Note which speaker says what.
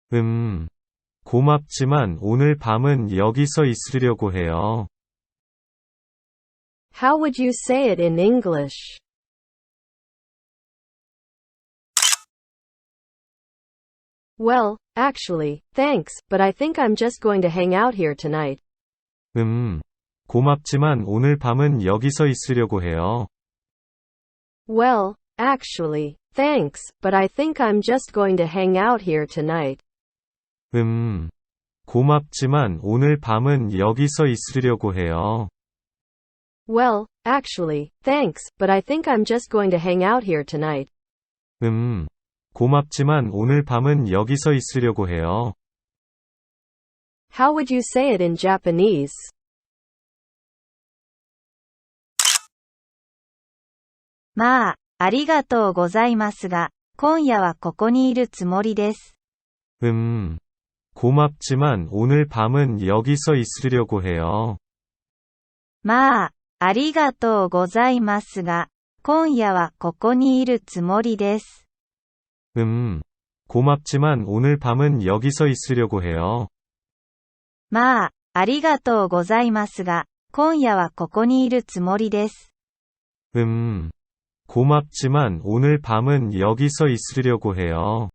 Speaker 1: 고맙지만 오늘 밤은 여기서 있으려고 해요.
Speaker 2: How would you say it in English? Well, actually, thanks, but I think I'm just going to hang out here tonight.
Speaker 1: 고맙지만 오늘 밤은 여기서 있으려고 해요.
Speaker 2: Well, actually, thanks, but I think I'm just going to hang out here tonight.
Speaker 1: 고맙지만 오늘 밤은 여기서 있으려고 해요.
Speaker 2: Well, actually, thanks, but I think I'm just going to hang out here tonight.
Speaker 1: 고맙지만 오늘 밤은 여기서 있으려고 해요.
Speaker 2: How would you say it in Japanese?
Speaker 3: まあ、ありがとうございますが、今夜はここにいるつもりです。
Speaker 1: 고맙지만 오늘 밤은 여기서 있으려고 해요.
Speaker 3: まあ、ありがとうございますが、今夜はここにいるつもりです。
Speaker 1: 고맙지만 오늘 밤은 여기서 있으려고 해요.
Speaker 3: まあ、ありがとうございますが、今夜はここにいるつもりです。
Speaker 1: 고맙지만 오늘 밤은 여기서 있으려고 해요.